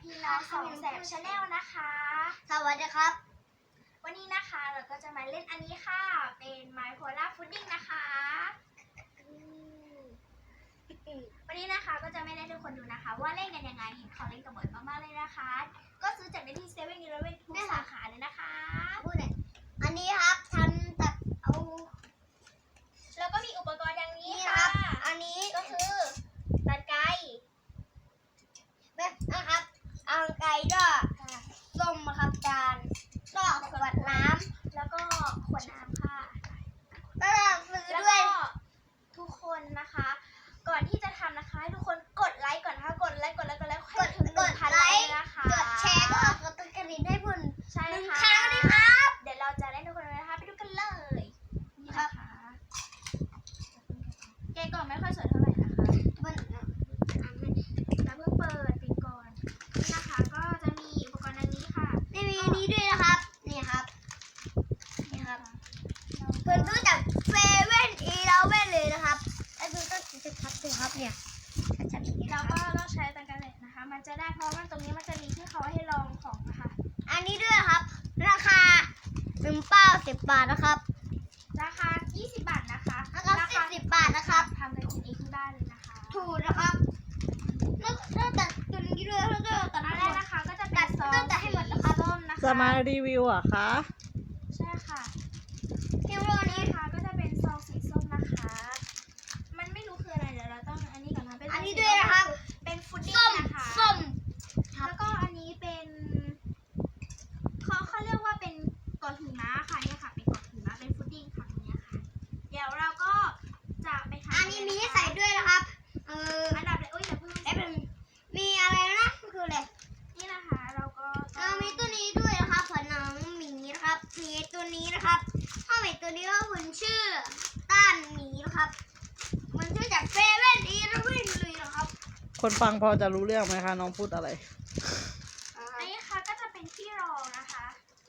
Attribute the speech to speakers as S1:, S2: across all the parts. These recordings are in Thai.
S1: พี่น้องสองแสบชาแนลนะคะ
S2: สวัสดีครับ
S1: วันนี้นะคะเราก็จะมาเล่นอันนี้ค่ะเป็นไมโครลาฟุดดิ้งนะคะวันนี้นะคะก็จะไม่ได้ทุกคนดูนะคะว่าเล่นกันยังไงเห็นเขาเล่นกันบ่อยมากๆเลยนะคะก็ซื้อจากในที่เซเว่นอีเลฟเว่นทุกสาขาเลยนะคะ
S2: พูดเลยอันนี้ครับทำจากเอา
S1: แล้วก็มีอุปกรณ์อย่างนี้
S2: นี่ค
S1: ค่ะ
S2: รับอันนี้
S1: ก็คือตัดไก่
S2: แบบนะครับเอาไก่ก็ส้มนะครับจานก็ขวดน้ำ
S1: แล้วก็ขวดน้ำค่ะ
S2: ก็ซื้อ
S1: แล้ว
S2: ด้วย
S1: ก็ทุกคนนะคะ ก่อนที่จะทำนะคะให้ทุกคนกดไลค์ก่อนนะคะกดไลค์ให้ถึง 1,000 ไลค์นะคะ
S2: กดแชร์ก็กดติดกระดิ่งให้พุ่น
S1: ใช่
S2: หนึ่ง
S1: ค่ะ
S2: ครั้งนะครับ
S1: เดี๋ยวเราจะเล่นทุกคนเลยนะคะไปดูกันเลยนี่นะคะแกะกล่องไม่ค่อยสวยเท่าไหร่นะคะ
S2: มัน
S1: เราเพิ่งเปิดปิดก่อนนี่นะคะก็จะมีอุปกรณ์ดังนี้ค่ะ
S2: ไม่มีนี้ด้วยนะครับนี่ครับนี่ครับเพิ่นซื้อจากเซเว่นอีเลฟเว่นเลยนะครับไอ้ดูต้องชัดๆเลยครับเนี่ยชัดๆอย่างนี้
S1: เรา
S2: นะค
S1: ก็
S2: รับ
S1: ต้องใช้ตังกันเลยนะคะ มันจะได้เพราะว่าตรงนี้มันจะมีที่เขาให้ลองของนะคะ
S2: อันนี้ด้วยครับราคา1 เป้า10 บาทนะครับ
S1: ราคา20 บาทนะคะ
S2: ราคา10 บาทนะครับ
S1: ทำกันเองที่บ้านเลยนะคะ
S2: ถูกนะครับแล้วตัดตัวนี้ด้วยแล้วก็ตัด
S1: อันแรกนะคะก็จะเป็นซอง
S2: ตัดให้หมดนะครับ
S1: ส้มนะคะ
S3: จะมารีวิวเหรอคะ
S1: ใช่ค่ะ
S2: เที่ยวโล
S1: นี่
S2: นี้
S1: นะคะก็จะเป็นซองสีส้มนะคะ มันไม่รู้คืออะไรเดี๋ยวเราต้องอันนี้ก่อนนะเป็น
S2: อันนี้ด้วยนะครับ
S1: เป็นฟุตดิ้
S2: ส้
S1: ง
S2: ม
S1: นะคะ
S2: ส้ม
S1: แล้วก็อันนี้เป็นเขาเรียกว่าเป็นเกาะหิมะค่ะเนี่ยค่ะเป็นเกาะหิมะเป็นฟุตดิ้งค่ะเนี่ยค่ะ เดี๋ยวเราก็จะไปทำ
S2: อันนี้มีให้ใส่ด้วยนะครับ
S1: อันดับเลยอย่าเพิ่ง
S2: แป๊บนึงมีอะไรนะคืออะไร
S1: นี่นะคะเราก็ต้อง
S2: มีตัวนี้ด้วยนะครับผนังหมีนะครับมีตัวนี้นะครับห้องหมีตัวนี้ก็คุณชื่อต้านหมีนะครับมันชื่อจากเซเว่นอีเลฟเว่นเลยนะครับ
S3: คนฟังพอจะรู้เรื่องไหมคะน้องพูดอะไร
S1: อันนี้ค่ะก็จะเป็นที่รองนะคะ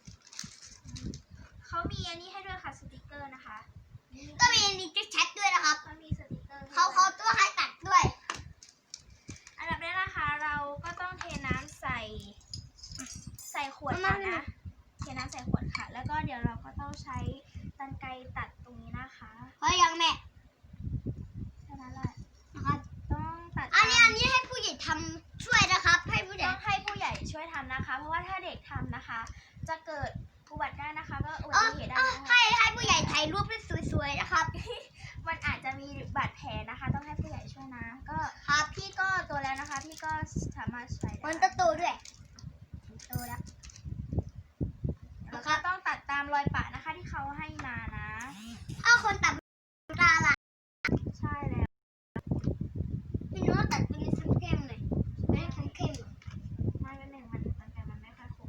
S1: เขามีอันนี้ให้ด้วยค่ะสติกเกอร์นะคะ
S2: ก็มีอันนี้แชทด้วยนะครับ
S1: เขามีสติกเกอร์ให้
S2: เขาตัวให้ตัดด้วย
S1: อันดับแรกนะคะเราก็ต้องเทน้ำใส่ขวดก่อนนะเทน้ำใส่ขวดค่ะ แล้วก็เดี๋ยวเราก็ต้องใช้กรรไกรตัดตรงนี้นะคะ
S2: เพราะยังแม่
S1: แค่นั้นแหละ
S2: นะครับ
S1: ต้องตัด
S2: อันนี้ให้ผู้ใหญ่ทำช่วยนะครับ ให้ผู้ใหญ่
S1: ต้องให้ผู้ใหญ่ช่วยทำนะคะ เพราะว่าถ้าเด็กทำนะคะ จะเกิดอุบัติได้นะคะ ก็อุบัติเหตุได้นะคะ
S2: ให้ผู้ใหญ่ถ่ายรูปให้สวยๆนะครับ
S1: มันอาจจะมีบาดแผลนะคะ ต้องให้ผู้ใหญ่ช่วยนะ ก็
S2: ครับ
S1: พี่ก็โตแล้วนะคะ พี่ก็สามารถใส่ได้
S2: มันจะโตด้วยโตแล้ว
S1: แล้วก็ต้องตัดตามรอยปะนะคะที่เขาให้มานะ
S2: ถ้าคนตัดตาล่ะ
S1: ใช่แล้ว
S2: พี่น้องตัดตัวนี้เข้มๆหน่อยไม่ให้เข้มๆหน่อย
S1: ไม่เป็นหนึ่งมันตั้งแต่มันไม่ค่อยคม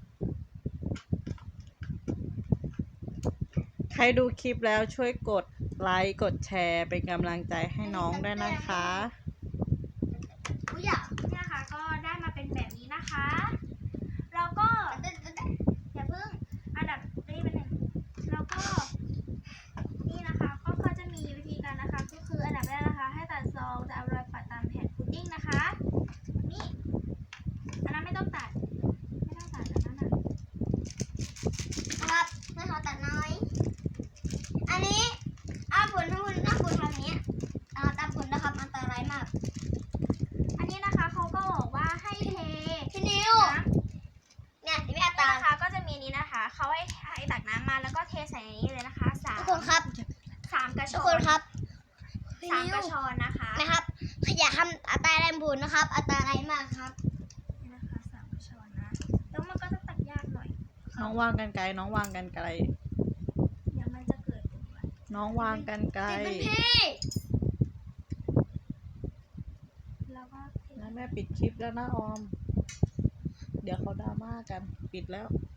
S3: ใครดูคลิปแล้วช่วยกดไลค์กดแชร์เป็นกำลังใจให้น้องด้วยนะคะ
S2: ผู้ใหญ่
S1: เนี่ยค่ะก็ได้มาเป็นแบบนี้นะคะ เราก็อย่าเพิ่งอันดับนี้เป็นหนึ่งแล้วก็นี่นะคะก็เขาจะมีวิธีการนะคะ ก็คืออันดับแรกนะคะ ให้ตัดซองจะเอารอยปัดตามแผ่นพุดดิ้งนะคะนี่อันนั้นไม่ต้องตัดอันนั้นน่ะ
S2: นะครับให้เขาตัดน้อย อันนี้ผลทำนี้ตามผลนะครับอันตรายมาก
S1: อันนี้นะคะเขาก็บอกว่าให้เท
S2: พี่นิว
S1: น้ำ
S2: เนี่ยที่แม่
S1: นี่
S2: ตา
S1: นะคะก็จะมีนี้นะคะเขาให้ตักน้ำมาแล้วก็เทใส่ในนี้เลยนะคะสาม
S2: ทุกคนครับ
S1: กระช
S2: ทุก
S1: อ
S2: คน
S1: น
S2: ครับ
S1: สามกระชอนนะคะ
S2: นะครับอย่าทำอันตรายผลนะครับอันตรายมากครับ
S1: นี่นะคะสามกระชอนนะแล้วมันก็จะตักยากหน่อย
S3: น้องวางกันไกลน้องวางกันไกล
S1: เดี๋ยวมันจะเกิดอุบัติ
S3: น้องวางกันไกล
S2: ติดเป็นพี่
S1: แล้วก็เท
S3: แล้วแม่ปิดคลิปแล้วนะออม เดี๋ยวเขาดราม่ากันปิดแล้ว